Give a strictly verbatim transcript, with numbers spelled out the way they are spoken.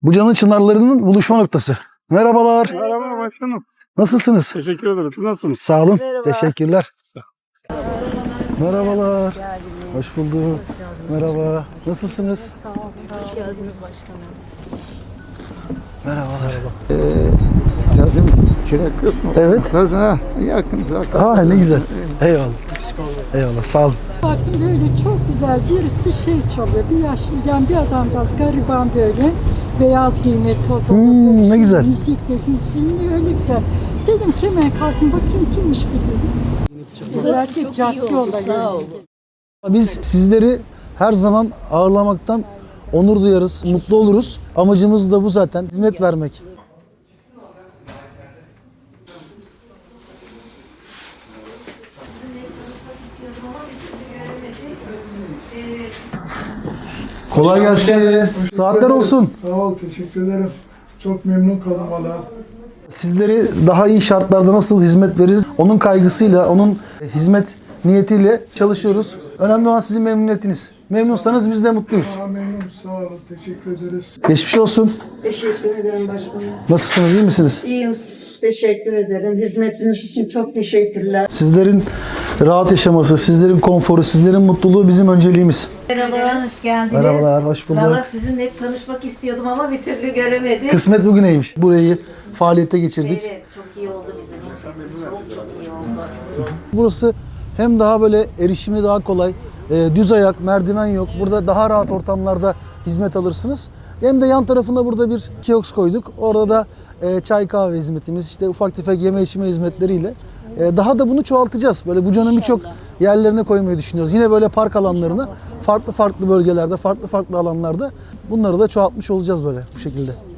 Buca'nın çınarlarının buluşma noktası. Merhabalar. Merhaba başkanım. Nasılsınız? Teşekkür ederim. Siz nasılsınız? Sağ olun. Merhaba. Teşekkürler. Merhabalar. Hoş bulduk. Merhaba. Nasılsınız? Sağ olun. Hoş geldiniz başkanım. Merhabalar. Yazın çilek yok mu? Evet. Ha, yakın zaten. Aa ne güzel. Eyvallah. Eyvallah. Sağ olun. Baktım böyle çok güzel birisi şey çalıyor. Bir yaşlı yani bir adamcağız gariban böyle. Beyaz giyme tozalı Hmm, böyle ne şey, güzel. müzikle hüzünlü öyle güzel. Dedim ki hemen kalkın bakayım kimmiş bu dedim. Özellikle cadde yolda geldi. Biz sizleri her zaman ağırlamaktan onur duyarız, mutlu oluruz. Amacımız da bu zaten. Hizmet vermek. Kolay gelsin. Saatler olsun. Sağ ol, teşekkür ederim. Çok memnun kaldım valla. Sizleri daha iyi şartlarda nasıl hizmet veririz? Onun kaygısıyla, onun hizmet niyetiyle çalışıyoruz. Önemli olan sizin memnuniyetiniz. Memnunsanız biz de mutluyuz. Daha memnun, sağ olun, teşekkür ederiz. Geçmiş olsun. Teşekkür ederim başkanım. Nasılsınız, iyi misiniz? İyiyim. Teşekkür ederim. Hizmetiniz için çok teşekkürler. Sizlerin rahat yaşaması, sizlerin konforu, sizlerin mutluluğu bizim önceliğimiz. Merhaba, hoş geldiniz. Merhabalar, hoş bulduk. Valla sizinle hep tanışmak istiyordum ama bir türlü göremedik. Kısmet bugüneymiş. Burayı faaliyete geçirdik. Evet, çok iyi oldu bizim için. Çok çok iyi oldu. Burası hem daha böyle erişimi daha kolay, e, düz ayak, merdiven yok. Burada daha rahat ortamlarda hizmet alırsınız. Hem de yan tarafında burada bir kiosk koyduk. Orada da e, çay kahve hizmetimiz, işte ufak tefek yeme içme hizmetleriyle. E, daha da bunu çoğaltacağız. Böyle Buca'nın birçok yerlerine koymayı düşünüyoruz. Yine böyle park alanlarına, farklı farklı bölgelerde, farklı farklı alanlarda bunları da çoğaltmış olacağız böyle bu şekilde.